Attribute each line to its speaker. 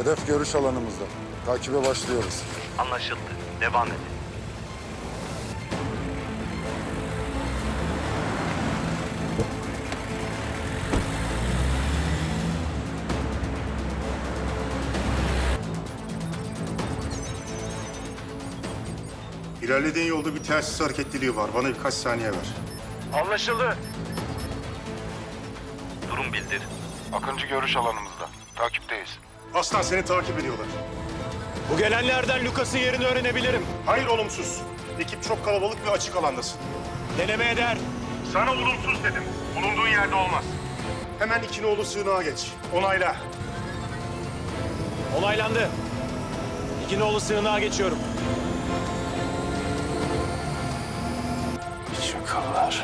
Speaker 1: Hedef görüş alanımızda. Takibe başlıyoruz.
Speaker 2: Anlaşıldı. Devam edin.
Speaker 3: İlerlediğin yolda bir telsiz hareketliliği var. Bana birkaç saniye ver.
Speaker 2: Anlaşıldı. Durum bildir.
Speaker 4: Akıncı görüş alanımızda. Takipteyiz.
Speaker 3: Aslan seni takip ediyorlar.
Speaker 5: Bu gelenlerden Lucas'ın yerini öğrenebilirim.
Speaker 3: Hayır olumsuz. Ekip çok kalabalık ve açık alandasın.
Speaker 5: Deneme eder.
Speaker 3: Sana olumsuz dedim. Bulunduğun yerde olmaz. Hemen İkinoğlu sığınağa geç. Onayla.
Speaker 5: Olaylandı. İkinoğlu sığınağa geçiyorum.
Speaker 4: Çakallar.